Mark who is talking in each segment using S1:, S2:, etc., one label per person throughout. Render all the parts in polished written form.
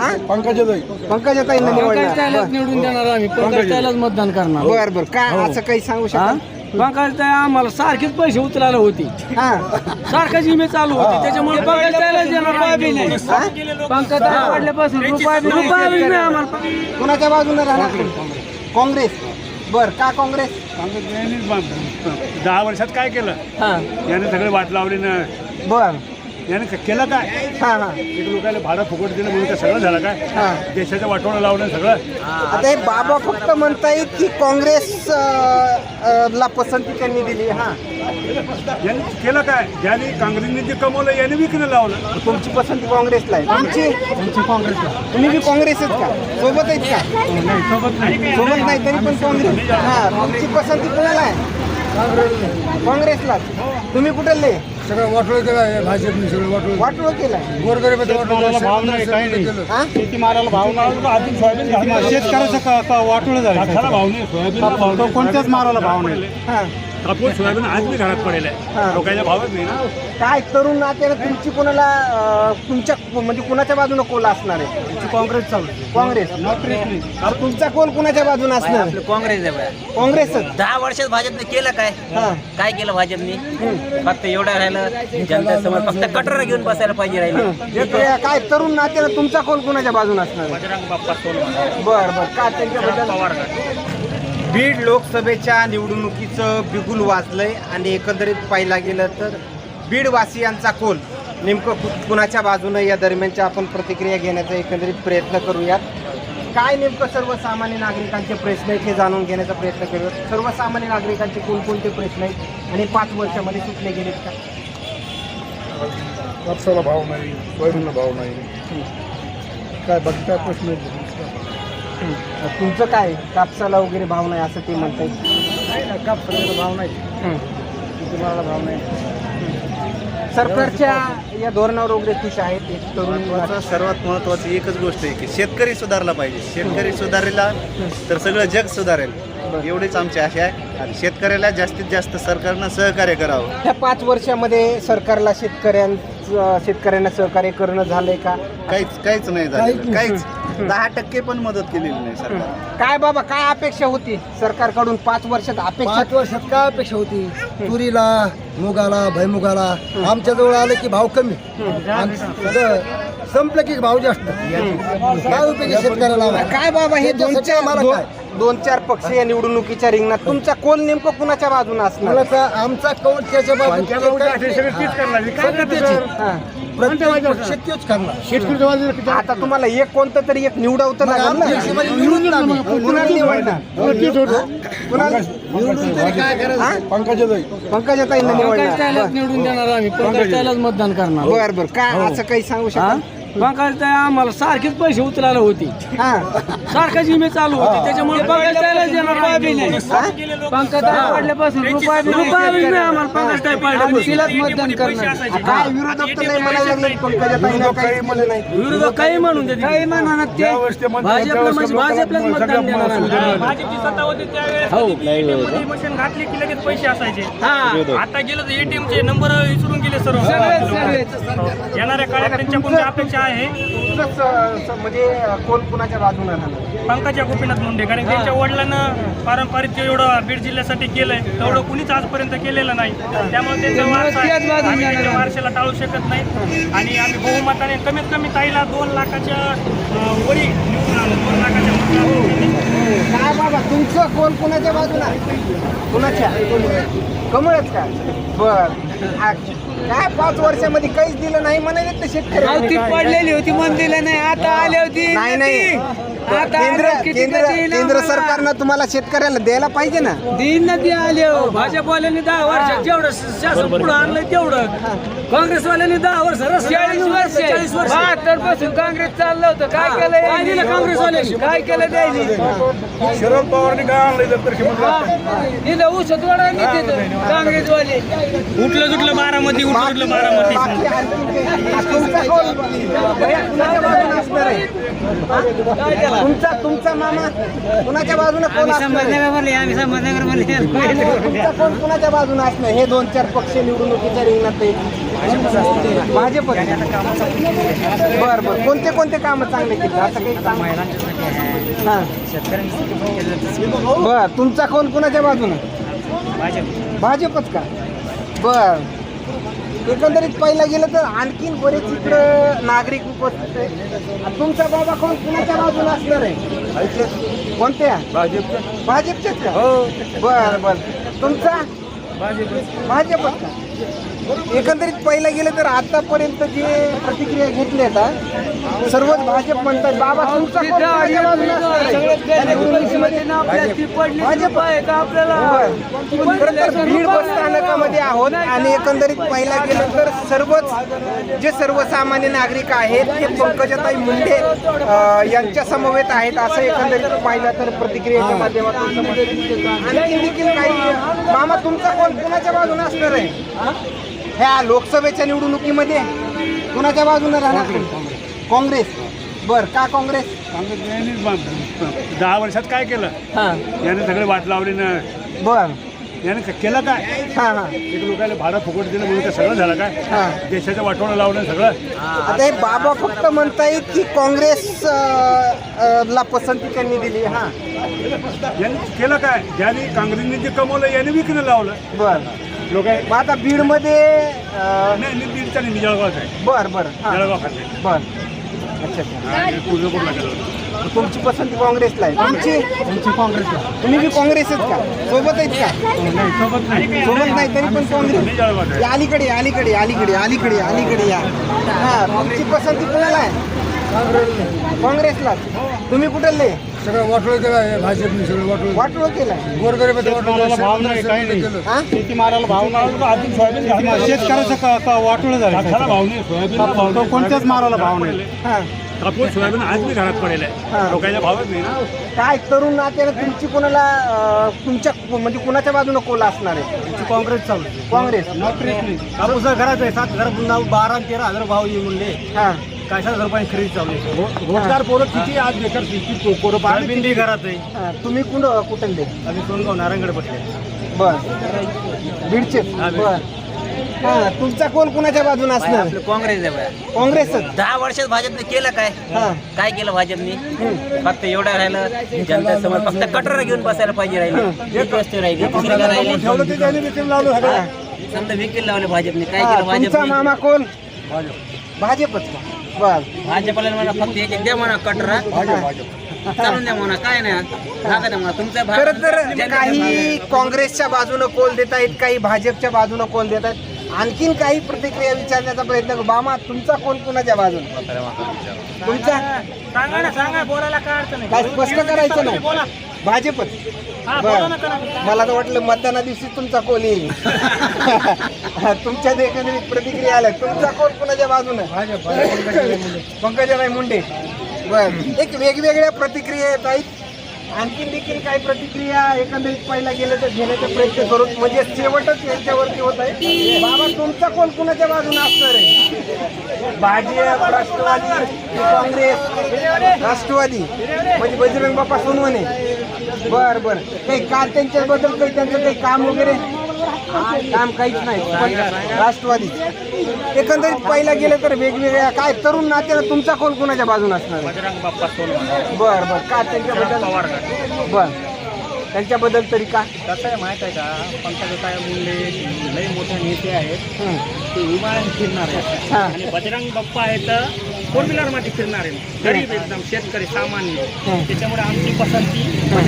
S1: पंकजाताईंना
S2: निवडून देणार आम्ही पंकजाताईलाच मतदान करणार.
S1: बर बर काय असं काही सांगू शकाल?
S2: पंकजाताई आम्हाला सारखीच पैसे उचलायला होती, सारखाच इमेज चालू होती, त्याच्यामुळे पंकजाताईलाच देणार. पंकजाताई वाढल्यापासून रुपया बी नाही आम्हाला.
S1: कुणाच्या बाजूने राहणार? काँग्रेस. बर का काँग्रेस?
S3: 10 वर्षात काय केलं याने? सगळे वाट लावली ना.
S1: बर
S3: याने केलं काय? एक लोकांना भाडं फुकट दिलं म्हणून ते सगळं झालं काय? देशाचं वाटवणं लावलं सगळं.
S1: आता हे बाबा फक्त म्हणतायत की काँग्रेस ला पसंती त्यांनी दिली.
S3: यांनी केलं काय? ज्याने काँग्रेसने जे कमवलं याने विकणं लावलं.
S1: तुमची पसंती काँग्रेसला आहे? तुमची काँग्रेसला. तुम्ही बी काँग्रेसच का? सोबत आहेत का? सोबत नाही तरी पण काँग्रेस. तुमची पसंती कोणाला आहे? काँग्रेसला. तुम्ही कुठले?
S4: सगळं वाटोळ केलं भाजपने, सगळं
S1: वाटोळ केलाय.
S4: गोरगरिबाचा
S3: भाव नाही, काही नाही.
S1: शेतीमालाला भाव नाही.
S3: शेतकऱ्याचं वाटोळ झालं. भाव नाही, सोयाबीन
S4: कोणत्याच मालाला भाव नाही.
S3: कापूस सोयाबीन आज मी घरात पडेल आहे. लोकांचा भावच नाही ना.
S1: काय तरुण नात्यानं तुमची कोणाला तुमच्या म्हणजे कुणाच्या बाजूने कोल असणार आहे?
S4: काँग्रेस चालू.
S1: काँग्रेस. तुमचा कोल कुणाच्या बाजूने असणार?
S5: काँग्रेस आहे.
S1: काँग्रेसच.
S5: 10 वर्षात भाजपने केलं काय? काय केलं भाजपने? फक्त एवढं राहिलं जनता समोर फक्त कटर घेऊन बसायला पाहिजे राहिलं.
S1: काय तरुण नात्यानं तुमचा कोल कुणाच्या बाजूने असणार आहे?
S5: बजरंग बाप्पा सोनवणे.
S1: बर बर का त्यांच्याबद्दल? बीड लोकसभेच्या निवडणुकीचं बिगुल वाजलंय आणि एकंदरीत पाहिला गेलं तर बीडवासियांचा कोल नेमकं कुणाच्या बाजूनं या दरम्यानच्या आपण प्रतिक्रिया घेण्याचा एकंदरीत प्रयत्न करूयात. काय नेमकं सर्वसामान्य नागरिकांचे प्रश्न आहेत हे जाणून घेण्याचा प्रयत्न करूयात. सर्वसामान्य नागरिकांचे कोणकोणते प्रश्न आहेत आणि 5 वर्षामध्ये सुटले गेलेत का?
S4: कापसाला भाव नाही, सोयाबीनला भाव नाही, काय बाकी काय प्रश्न?
S1: तुमचं काय? कापसाला वगैरे भाव नाही असं ते म्हणतात.
S4: कापसाला भाव नाही, शेतीमालाला भाव नाही.
S1: सरकारच्या या धोरणावर वगैरे खुश आहेत? एक तरुण
S6: सर्वात महत्त्वाची एकच गोष्ट आहे की शेतकरी सुधारला पाहिजे. शेतकरी सुधारला तर सगळं जग सुधारेल, एवढीच आमची आशा आहे. आणि शेतकऱ्याला जास्तीत जास्त सरकारनं सहकार्य करावं.
S1: ह्या 5 वर्षामध्ये सरकारला शेतकऱ्यांना सहकार्य करणं झालंय का?
S6: काहीच नाही झालं. काहीच 10% पण मदत केलेली नाही सरकार.
S1: काय बाबा काय अपेक्षा होती सरकारकडून 5 वर्षात?
S4: 5 वर्षात काय अपेक्षा होती? तुरीला, मुगाला, भैमुगाला आमच्याजवळ आलं की भाव कमी, संपलं की भाव जास्त. काय उपयोगी शेतकऱ्याला?
S1: काय बाबा हे 2-4 पक्ष या निवडणुकीच्या रिंगणात तुमचा कोल नेमकं कुणाच्या बाजूने असणार?
S4: आमचा कौल त्याच्या बाजूने
S1: आता तुम्हाला एक कोणतं तरी एक निवडवतं लागेल ना. पंकजाताईंना
S2: निवडून देणार आम्ही पंकजाताईलाच मतदान करणार.
S1: बर बर काय असं काही सांगू शकाल?
S2: पंकजाताई आम्हाला सारखीच पैसे उचलायला होती, सारखाच इमेज चालू होती, त्याच्यामुळे पंकजाताईलाच देणार. पंकजाताई वाढल्यापासून रुपया बी नाही आम्हाला. पंकजाताई पाहिजे मतदान करणार.
S1: काय विरोधक तर नाही म्हणायला लागले पंकजाताईंना? काही म्हणलं नाही.
S2: विरोधक काही म्हणून देते, काही म्हणणार ते भाजपला म्हणजे भाजपलाच मतदान देणार आम्ही.
S7: भाजपची सत्ता होती त्यावेळेस मशीन घातली की लगेच पैसे असायचे. आता गेलं तर ATM चे नंबर विसरून गेले सर्व. येणाऱ्या काळात त्यांच्या कोणत्या अपेक्षा आहे?
S1: म्हणजे कोण कुणाच्या बाजूने राहणार?
S7: पंकजा गोपीनाथ मुंडे, कारण त्यांच्या वडिलांना पारंपरिक एवढं बीड जिल्ह्यासाठी केलंय तेवढं कुणीच आजपर्यंत केलेलं नाही. त्यामुळे त्यांचा वारसा आम्ही त्यांच्या वारशाला टाळू शकत नाही. आणि आम्ही बहुमताने कमीत कमी ताईला 2 लाखाच्या वरी निवडून आलो. 2 लाखाच्या मतदानाने.
S1: काय बाबा तुमचं कोण कुणाच्या बाजूला? कुणाच्या? कमळच का? बर. काय 5 वर्षामध्ये काहीच दिलं नाही म्हणाले ते शेतकरी?
S2: पडलेली होती मन दिलं नाही, आता आली होती.
S1: नाही केंद्र सरकारनं तुम्हाला शेतकऱ्याला द्यायला पाहिजे ना.
S2: दिन नदी आले. भाजपवाल्यांनी 10 वर्षात जेवढं शासन पुढे आणलंय तेवढं, काँग्रेसवाल्यांनी 10 वर्ष 40 वर्ष 72 पासून काँग्रेस चाललं होतं. काय केलं? काय दिलं काँग्रेसवाल्यांनी? काय केलं द्यायला?
S3: शरद पवारने काय आणलं तर
S2: तिथं ऊसत वडांनी तिथं काँग्रेसवाले
S7: उठलं जुटलं बारामती, उठलं जुटलं बारामती.
S1: तुमचा कोण कुणाच्या बाजूने असणार आहे? तुमचा मामा कुणाच्या बाजूने कोण असणार आहे? तुमचा कोण कुणाच्या बाजूने असणार? हे 2-4 पक्ष निवडणुकीच्या रिंगणात येतील. भाजप. बर कोणते कामं चांगले केले असं काही काम? हां बर तुमचा कोण कुणाच्या बाजूने? भाजपच का? बर एकंदरीत पाहिलं गेलं तर आणखीन बरेच इकडं नागरिक उपस्थित आहे. तुमचा बाबा कोण कुणाच्या बाजूने असणार आहे? कोणत्या? भाजपचेच का? बर तुमचा भाजपच का? एकंदरीत पाहिलं गेलं तर आतापर्यंत जे प्रतिक्रिया घेतल्या आहेत सर्वच भाजप म्हणतात. बाबा तुमचा कोण कुणाच्या बाजूने असणार आहे? भाजप
S2: आपल्याला
S1: खरं तर बीड बस स्थानकामध्ये आहोत आणि एकंदरीत पाहिला गेलं तर सर्वच जे सर्वसामान्य नागरिक आहेत ते पंकजाताई मुंडे यांच्या समवेत आहेत असं एकंदरीत पाहिलं तर प्रतिक्रियेच्या माध्यमातून समजतं. आणखी देखील काही मामा तुमचा कोण कुणाच्या बाजूने असणार आहे ह्या लोकसभेच्या निवडणुकीमध्ये? कुणाच्या बाजूने राहणार? काँग्रेस. बर का काँग्रेस?
S3: यांनी 10 वर्षात काय केलं? याने सगळे वाट लावली ना.
S1: बर
S3: याने केलं काय? एक लोकांना भाडं फुकट दिलं म्हणून सगळं झालं काय? देशाच्या वाटोळं लावलं सगळं.
S1: आता हे बाबा फक्त म्हणतायत की काँग्रेस ला पसंती त्यांनी दिली.
S3: यांनी केलं काय? ज्यांनी काँग्रेसने जे कमवलं याने विकणं लावलं.
S1: बर
S3: लोक
S1: मग आता बीडमध्ये
S3: नाही बीडचा नाही, जळगावचा आहे.
S1: बर
S3: जळगाव खाते.
S1: बर अच्छा
S3: तुळजापूरला गेलो.
S1: तुमची पसंती काँग्रेसला आहे? तुमची काँग्रेसला. तुम्ही बी काँग्रेसच का? सोबत आहेत का? सोबत नाही तरी पण काँग्रेस.
S3: जळगाव आहे.
S1: अलीकडे या. तुमची पसंती कोणाला आहे? काँग्रेसला. तुम्ही कुठले?
S4: सगळं वाटोळ केलं भाजपने, सगळं
S1: वाटोळ केलाय.
S3: शेतमालाला भाव नाही, काही नाही. शेतीमालाला भाव नाही. शेतकऱ्याचं वाटोळं झालं. कापसाला भाव नाही, सोयाबीनला भाव नाही, कोणत्याच मालाला भाव नाही. कापूस सोयाबीन आज मी घरात पडेल आहे. लोकांना भावच नाही ना.
S1: काय तरुण नात्याने तुमची कोणाला तुमच्या म्हणजे कुणाच्या बाजूने कोला असणार आहे?
S3: काँग्रेस चालू आहे.
S1: काँग्रेस.
S3: कापूस घरात आहे 7,000 12 आणि 13,000 भाव येईल म्हणले. काय 7,000 रुपये खरेदी चालू आहे. रोजगार पोरं किती आज बेकार पोरं सोयाबीन घरात आहे.
S1: तुम्ही कुठले?
S3: आम्ही सोनगाव नारायणगड बसले.
S1: बर बीडचे. बर तुमचा कोण कुणाच्या बाजूने असणार?
S5: आपलं काँग्रेस आहे.
S1: काँग्रेसच.
S5: 10 वर्षात भाजपने केलं काय केलं भाजपने? फक्त एवढं राहिलं जनता समोर फक्त कटोरा घेऊन बसायला पाहिजे राहिले. एक वस्तू राहिली दुसरी काय राहिली?
S3: ठेवलं ते त्याने विकून लावलं सगळं.
S5: समजा विकेल लावले भाजपने. काय केलं
S1: तुमचा
S5: भाजपने?
S1: मामा कोण? भाजपच का? बर
S5: भाजपला म्हणा फक्त एक द्या म्हणा कटोरा चालून द्या म्हणा. काय नाही जागा द्या म्हणा. तुमचा
S1: खरं तर काही काँग्रेसच्या बाजूने कोल देत आहेत, काही भाजपच्या बाजूने कोल देत आहेत. आणखीन काही प्रतिक्रिया विचारण्याचा प्रयत्न करू. मामा तुमचा कोण कुणाच्या बाजूने? तुमचा
S7: सांगा बोलायला काय अडचण नाही.
S1: काय स्पष्ट करायचं नाही? भाजपच. बर मला तर वाटलं मतदाना दिवशी तुमचा कोल येईल. तुमच्या एकंदरीत प्रतिक्रिया आल्या. तुमचा कोण कुणाच्या बाजूने? पंकजाताई मुंडे. बर एक वेगवेगळ्या प्रतिक्रिया येत आहेत. आणखीन देखील काही प्रतिक्रिया एकंदरीत पाहिला गेलं तर घेण्याचा प्रयत्न करू. म्हणजे शेवटच यांच्यावरती होत आहे. बाबा तुमचा कोण कुणाच्या बाजूने असणार आहे? भाजप, राष्ट्रवादी, काँग्रेस, राष्ट्रवादी म्हणजे बजरंग बाप्पा सोनवणे. बर काही का त्यांच्याबद्दल काही त्यांचं काही काम वगैरे? काम काहीच नाही. राष्ट्रवादी. एकंदरीत पाहिला गेलं तर वेगवेगळ्या काय तरुण नात्यानं तुमचा कोण कुणाच्या बाजूने असणार?
S7: बजरंग बाप्पा सोनवणे.
S1: बर का त्यांच्याबद्दल? बर त्यांच्याबद्दल तरी का?
S7: कसं आहे माहित आहे का? पंकजाताई मुंडे लई मोठे नेते आहेत. ते विमानाने फिरणार आहेत. आणि बजरंग बाप्पा आहेत 4 व्हीलर मध्ये फिरणार आहे. गरीब एकदम शेतकरी सामान्य. त्याच्यामुळे आमची पसंती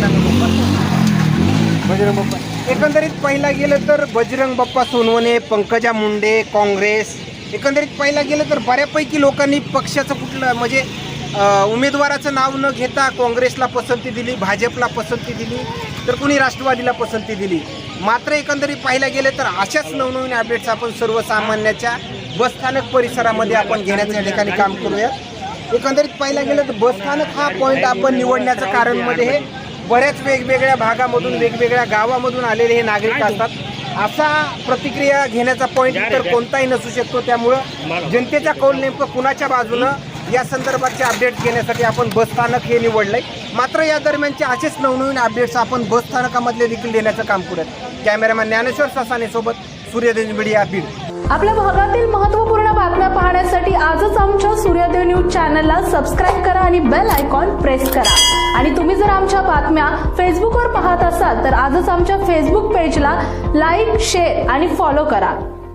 S1: बजरंग बाप्पा. एकंदरीत पाहिला गेलं तर बजरंग बाप्पा सोनवणे, पंकजा मुंडे, काँग्रेस. एकंदरीत पाहिला गेलं तर बऱ्यापैकी लोकांनी पक्षाचं कुठलं म्हणजे उमेदवाराचं नाव न घेता काँग्रेसला पसंती दिली, भाजपला पसंती दिली, तर कुणी राष्ट्रवादीला पसंती दिली. मात्र एकंदरीत पाहिला गेलं तर अशाच नवनवीन अपडेट्स आपण सर्वसामान्याच्या बसस्थानक परिसरामध्ये आपण घेण्याच्या ठिकाणी काम करूया. एकंदरीत पाहिला गेलं तर बसस्थानक हा पॉईंट आपण निवडण्याचं कारण मध्ये हे बऱ्याच वेगवेगळ्या भागामधून वेगवेगळ्या गावामधून आलेले हे नागरिक असतात. असा प्रतिक्रिया घेण्याचा पॉईंट तर कोणताही नसू शकतो. त्यामुळं जनतेचा कौल नेमकं कुणाच्या बाजूनं या संदर्भातचे अपडेट घेण्यासाठी आपण बसस्थानक हे निवडलंय. मात्र या दरम्यानचे असेच नवनवीन अपडेट्स आपण बसस्थानकामधले देखील देण्याचं काम करूयात. कॅमेरामॅन ज्ञानेश्वर ससाने सोबत सूर्यदेव मीडिया बीड.
S8: आपल्या भागातील महत्त्वपूर्ण बातम्या पाहण्यासाठी आजच आमच्या सूर्योदय न्यूज चॅनलला सबस्क्राईब करा आणि बेल आयकॉन प्रेस करा. आणि तुम्ही जर आमच्या बातम्या फेसबुकवर पाहत असाल तर आजच आमच्या फेसबुक पेजला लाईक, शेअर आणि फॉलो करा.